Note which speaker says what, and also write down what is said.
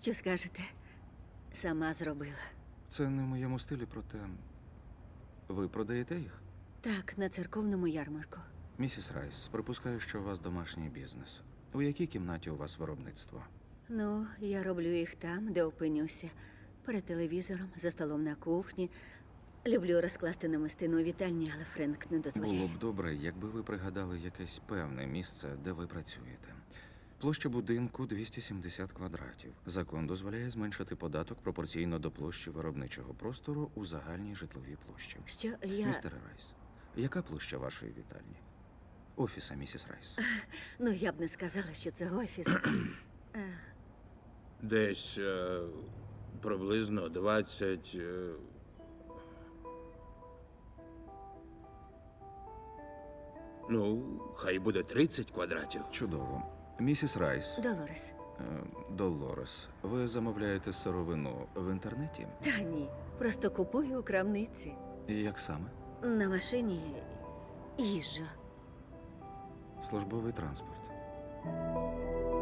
Speaker 1: Що скажете? Сама зробила.
Speaker 2: Це не в моєму стилі, проте ви продаєте їх?
Speaker 1: Так, на церковному ярмарку.
Speaker 2: Місіс Райс, припускаю, що у вас домашній бізнес. У якій кімнаті у вас виробництво?
Speaker 1: Ну, я роблю їх там, де опинюся. Перед телевізором, за столом на кухні. Люблю розкласти намистину у вітальні, але Френк не дозволяє.
Speaker 2: Було б добре, якби ви пригадали якесь певне місце, де ви працюєте. Площа будинку 270 квадратів. Закон дозволяє зменшити податок пропорційно до площі виробничого простору у загальній житловій площі.
Speaker 1: Що я...
Speaker 2: Містере Райс, яка площа вашої вітальні? Офіса, місіс Райс.
Speaker 1: Ну, я б не сказала, що це офіс.
Speaker 3: Десь приблизно 20... Ну, хай буде 30 квадратів.
Speaker 2: Чудово. Місіс Райс,
Speaker 1: Долорес.
Speaker 2: Долорес, ви замовляєте сировину в інтернеті?
Speaker 1: Та ні, просто купую у крамниці.
Speaker 2: Як саме?
Speaker 1: На машині їжджу.
Speaker 2: Службовий транспорт.